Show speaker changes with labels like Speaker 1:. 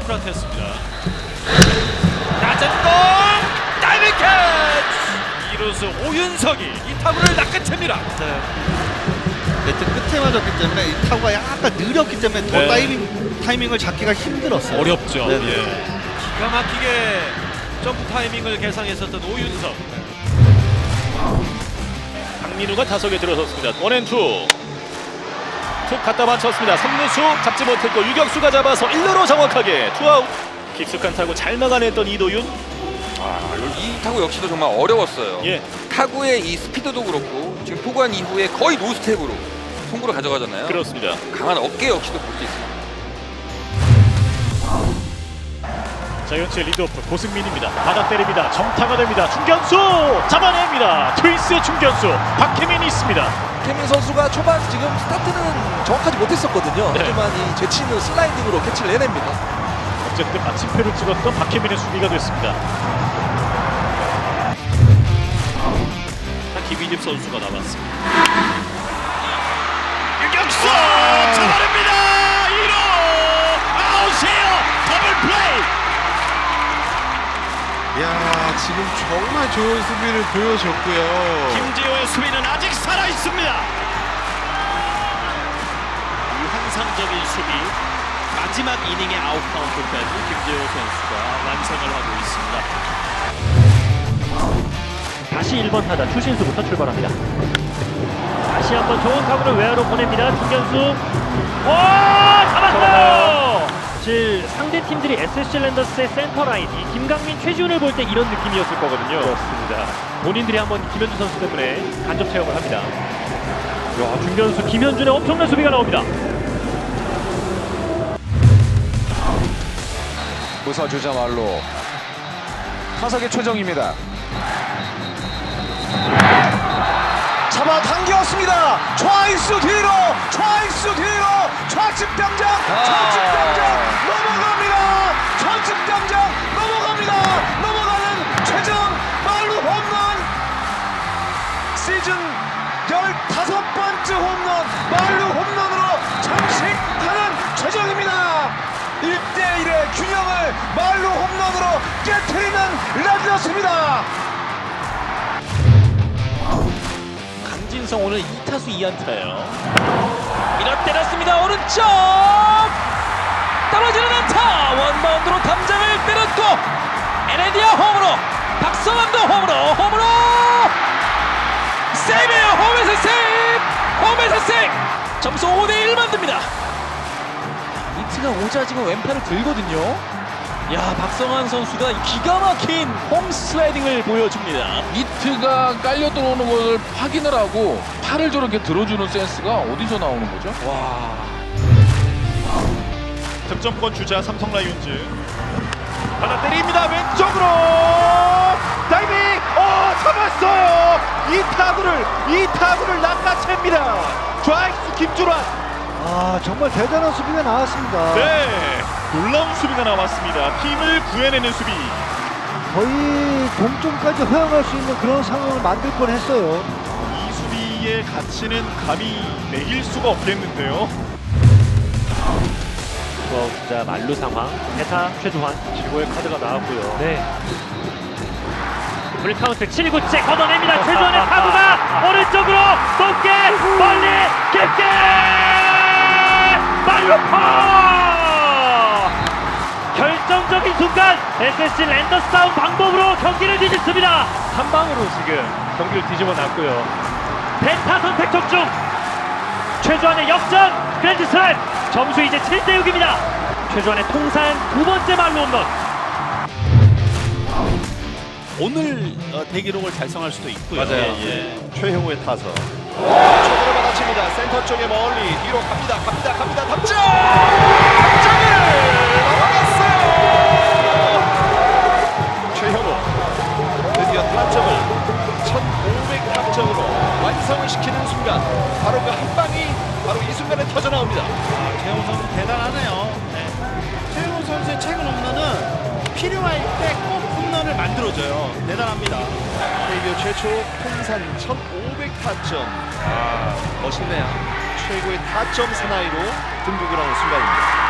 Speaker 1: 프라테스입니다. 낮은 공 다이빙 캐치! 이루수 오윤석이 이 타구를 낚아챕니다.
Speaker 2: 네트 끝에 맞았기 때문에 이 타구가 약간 느렸기 때문에 더 타이밍을 잡기가 힘들었어요.
Speaker 1: 어렵죠.
Speaker 2: 네네.
Speaker 1: 예. 기가 막히게 점프 타이밍을 계산했었던 오윤석.
Speaker 3: 강민우가 타석에 들어섰습니다. 원앤투 툭 갖다 맞췄습니다. 3루수 잡지 못했고 유격수가 잡아서 1루로 정확하게 투아웃. 깊숙한 타구 잘 막아냈던 이도윤.
Speaker 4: 이 타구 역시도 정말 어려웠어요.
Speaker 3: 예.
Speaker 4: 타구의 이 스피드도 그렇고 지금 포관 이후에 거의 노스텝으로 송구를 가져가잖아요.
Speaker 3: 그렇습니다.
Speaker 4: 강한 어깨 역시도 볼 수 있습니다.
Speaker 3: 자이언츠의 리드오프 고승민입니다. 받아 때립니다. 정타가 됩니다. 중견수 잡아냅니다. 트윈스의 중견수 박혜민이 있습니다.
Speaker 5: 박혜민 선수가 초반 지금 스타트는 정확하지 못했었거든요.
Speaker 3: 네.
Speaker 5: 하지만 이 재치있는 슬라이딩으로 캐치를 해냅니다.
Speaker 3: 어쨌든 마침표를 찍었던 박혜민의 수비가 됐습니다.
Speaker 1: 김희집 선수가 남았습니다. 유격수 잡아냅니다. 1루 아웃이에요. 더블 플레이.
Speaker 6: 야, 지금 정말 좋은 수비를 보여줬고요.
Speaker 1: 김지호의 수비는 아직 살아 있습니다. 이 환상적인 수비 마지막 이닝의 아웃 카운트까지 김지호 선수가 완성을 하고 있습니다.
Speaker 7: 다시 1번 타자 추신수부터 출발합니다. 다시 한번 좋은 타구를 외야로 보냅니다. 중견수. 오! 잡았어요! 사실 상대 팀들이 SSG 랜더스의 센터 라인, 이 김강민, 최지훈을 볼 때 이런 느낌이었을 거거든요. 그렇습니다. 본인들이 한번 김현준 선수 때문에 간접 체험을 합니다. 야, 중견수 김현준의 엄청난 수비가 나옵니다.
Speaker 8: 웃어주자 말로 타석의 최정입니다. 잡아당겼습니다. 좌익수 뒤로, 좌익수 뒤로, 좌측 당장, 좌측 당장 넘어갑니다. 좌측 당장 넘어갑니다. 넘어가는 최정 말루 홈런. 시즌 15번째 홈런, 말루 홈런으로 장식하는 최정입니다. 1대1의 균형을 말루 홈런으로 깨트리는 레드였습니다.
Speaker 1: 강진성 오늘 2타수 2안타예요.
Speaker 5: 밀어 때렸습니다. 오른쪽 떨어지는 안타. 원바운드로 담장을 때렸고 에레디아 홈으로, 박성환도 홈으로 세이브예요. 홈에서 세이브, 홈에서 세이브. 점수 5대1 만듭니다. 이트가 오자 지금 왼팔을 들거든요. 야, 박성환 선수가 기가 막힌 홈 슬라이딩을 보여줍니다.
Speaker 8: 이트가 깔려 들어오는 것을 확인을 하고 팔을 저렇게 들어주는 센스가 어디서 나오는 거죠?
Speaker 3: 득점권 주자 삼성 라이온즈. 하나 때립니다. 왼쪽으로 다이빙. 잡았어요. 이 타구를 낚아챕니다. 좌익수 김주란.
Speaker 2: 정말 대단한 수비가 나왔습니다.
Speaker 3: 네, 놀라운 수비가 나왔습니다. 팀을 구해내는 수비.
Speaker 2: 거의 동점까지 허용할 수 있는 그런 상황을 만들 뻔했어요.
Speaker 3: 이 수비의 가치는 감히 매길 수가 없겠는데요.
Speaker 7: 주자 만루 상황. 대타 최주환.
Speaker 3: 최고의 카드가 나왔고요.
Speaker 7: 네. 풀카운트 7구째 걷어냅니다. 최주환의 타구가 오른쪽으로 높게 멀리 깊게 말루퍼. 결정적인 순간 SSG 랜더스다운 방법으로 경기를 뒤집습니다.
Speaker 3: 한 방으로 지금 경기를 뒤집어 놨고요.
Speaker 7: 대타 선택 적중. 최주환의 역전 그랜드 슬램. 점수 이제 7대6입니다. 최주환의 통산 2번째 말루 홈런.
Speaker 1: 오늘 대기록을 달성할 수도 있고요.
Speaker 2: 맞아요.
Speaker 3: 최형우의 타석.
Speaker 1: 쪽으로 받아칩니다. 센터 쪽에 멀리 뒤로 갑니다. 담장! 담장을 넘어갔어요. 최현우 드디어 타점을 1500 타점으로 완성을 시키는 순간 바로 그 한 방이 바로 이 순간에 터져 나옵니다.
Speaker 9: 최영우 선수 대단하네요. 최영우 선수의 최근 홈런은 필요할 때 꼭 홈런을 만들어줘요. 대단합니다.
Speaker 1: KBO 최초 통산 1500 타점. 멋있네요. 최고의 타점 사나이로 등극을 하는 순간입니다.